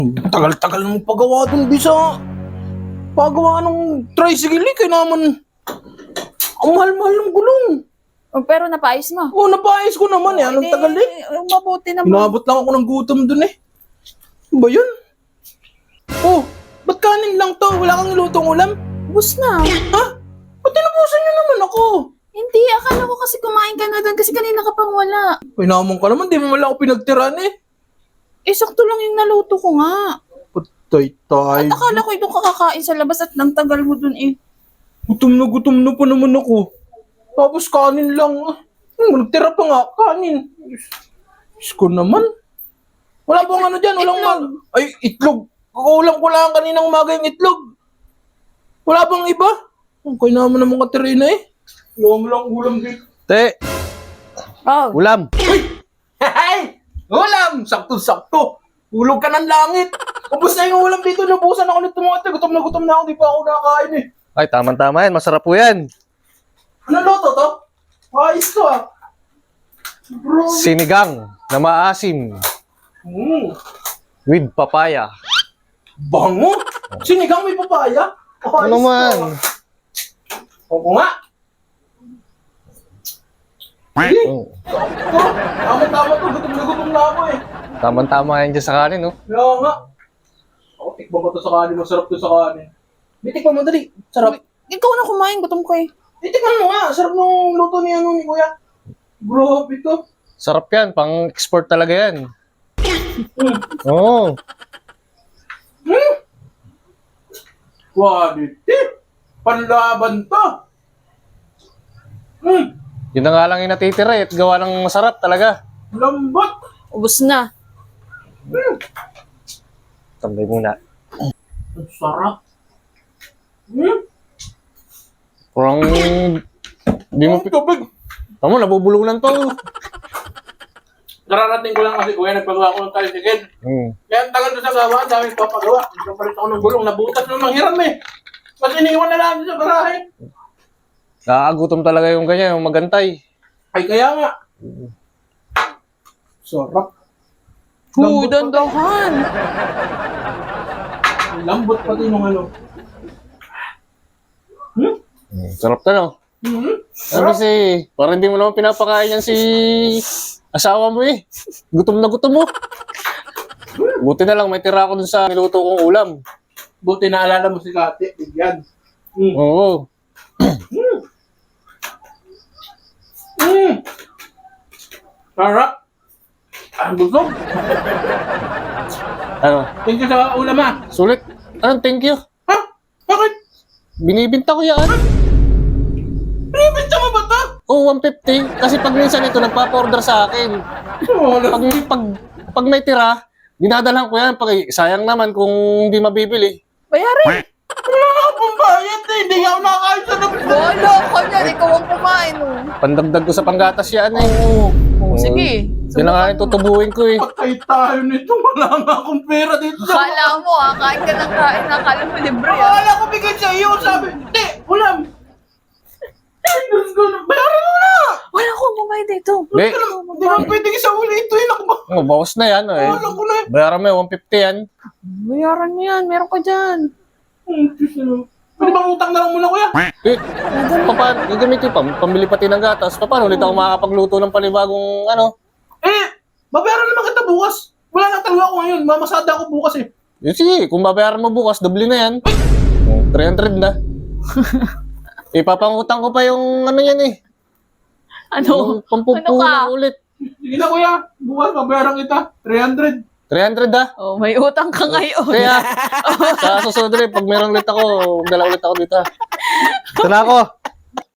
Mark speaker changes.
Speaker 1: Tagal-tagal ng paggawa dun, Bisa. Paggawa ng tricycle, kaya naman, ang mahal-mahal ng gulong.
Speaker 2: Oh, pero napaayos mo.
Speaker 1: Oo, napaayos ko naman eh. Anong tagal eh.
Speaker 2: Mabuti naman.
Speaker 1: Inabot lang ako ng gutom dun eh. Ano ba yun? Oh, ba't kanin lang to? Wala kang nilutong ulam?
Speaker 2: Bus na.
Speaker 1: Ha? Ba't tinubusan niyo naman ako?
Speaker 2: Hindi, akala ko kasi kumain ka na doon kasi kanina ka pang wala.
Speaker 1: Pinamon ka naman, di mo wala ako pinagtiran eh.
Speaker 2: Eh, sakto lang yung naluto ko nga.
Speaker 1: Patay tayo.
Speaker 2: At akala ko itong kakakain sa labas at nang tagal mo doon eh.
Speaker 1: Gutom na pa naman ako. Tapos kanin lang. Nagtira pa nga, kanin. Diyos ko naman. Wala pong ano dyan, walang Ay, itlog. Kukulang ko lang kaninang umaga yung itlog. Wala bang iba? Okay naman naman Katerina eh. Yung lang ulam dito.
Speaker 3: Te,
Speaker 2: Oh.
Speaker 3: ulam.
Speaker 1: Hey! Ulam! Sakto-sakto. Ulog ka ng langit. Ubus na yung ulam dito. Nabusan ako nito mga te. Gutom na ako. Di pa ako nakakain eh.
Speaker 3: Ay, tama-tama yan. Masarap po yan.
Speaker 1: Ano loto to? Ayos to ah. Bro.
Speaker 3: Sinigang na maasim with papaya.
Speaker 1: Bango! Sinigang may papaya?
Speaker 3: Ano naman?
Speaker 1: Oo nga. Sige.
Speaker 3: Oh,
Speaker 1: Tama-tama to. Gutom na ako eh.
Speaker 3: tama-tama yan dyan sa kanin, no?
Speaker 1: Kaya nga. Ako, tikman ko to sa kanin. Masarap to sa kanin. May tikman mo dali. Sarap.
Speaker 2: Ikaw na kumain, gutom ko eh.
Speaker 1: Tikman mo nga. Sarap nung luto ni ni Kuya. Grabe to.
Speaker 3: Sarap yan. Pang-export talaga yan. Oo.
Speaker 1: Quality. Panlaban to.
Speaker 3: Yun na nga lang yung natitira eh. At gawa ng masarap talaga.
Speaker 1: Lambot.
Speaker 2: Ubus na.
Speaker 3: Tambay muna.
Speaker 1: Ang sarap.
Speaker 3: Parang... Di mo...
Speaker 1: Ang tubig.
Speaker 3: Tama, nabubulunan to.
Speaker 1: Nararating ko lang kasi Kuya, nagpagawa ko ng tricycle. Kaya ang tagal ko sa gawa, ang dami papagawa. Nagpapalit ako ng gulong, nabutas na manghiram eh. Mas iniwan na lang sa garahe.
Speaker 3: Nakakagutom talaga yung ganyan, yung magantay.
Speaker 1: Ay, kaya nga. Sarap.
Speaker 2: Uy, dandahan.
Speaker 1: Lambot pati nung ano.
Speaker 3: Sarap ka, no? Kasi, parang hindi mo naman pinapakain yan si asawa mo eh. Gutom na gutom mo. Buti na lang, may tira ako dun sa niluto kong ulam.
Speaker 1: Buti naalala mo si Kati. Bigyan.
Speaker 3: Oo.
Speaker 1: Sarap. Ang busog.
Speaker 3: Ano?
Speaker 1: Thank you sa ulam ha.
Speaker 3: Sulit. Anong thank you?
Speaker 1: Ha? Bakit?
Speaker 3: Binibinta ko yan.
Speaker 1: Binibenta mo ba ito?
Speaker 3: Oh, 150. Kasi pag minsan ito, nagpapa-order sa akin. Pag may tira, dinadalhan ko yan. Sayang naman kung hindi mabibili.
Speaker 2: Bayarin.
Speaker 1: Wala ka pong bayad eh. Hindi ako nakakain sa labas.
Speaker 2: Wala ka niyan, ikaw ang kumain oh.
Speaker 3: Pandagdag ko sa panggatas yan eh.
Speaker 2: Oh, sige.
Speaker 3: Yun na nga yung tutubuin ko eh.
Speaker 1: Patay tayo nito. Wala nga akong pera dito sa...
Speaker 2: Akala mo kain ka ng kain, nakala mo libre ah.
Speaker 1: Akala ko bigyan sa iyo. Sabi, hindi, ulam. Ay, Diyos ko, bayaran mo na.
Speaker 2: Wala akong kumain dito.
Speaker 3: Hindi.
Speaker 1: Hindi mo pwedeng isa uli ito. Ako ba?
Speaker 3: Oh, bawas na yan eh.
Speaker 1: Alam ko na eh.
Speaker 3: Bayaran mo yung 150 yan.
Speaker 2: Bayaran mo yan, meron ka dyan.
Speaker 1: Pwede bang utang na lang muna, Kuya?
Speaker 3: Eh, paano? Gagamitin pa. Pambili pati ng gatas. Paano ulit ako makakapagluto ng panibagong ano?
Speaker 1: Babayaran naman kita bukas. Wala na talaga ako ngayon. Mamasada ako bukas eh.
Speaker 3: Sige, kung babayaran mo bukas, doble na yan. 300 na. Ipapangutang ko pa yung ano yan eh.
Speaker 2: Ano?
Speaker 3: Yung pampupunan ulit.
Speaker 1: Sige na, Kuya. Bukas, babayaran kita. 300.
Speaker 3: 300 ah.
Speaker 2: Oh, may utang ka ngayon.
Speaker 3: Kaya, sa susunod rin, pag meron ulit ako, dala ulit ako dito. Ito na ako.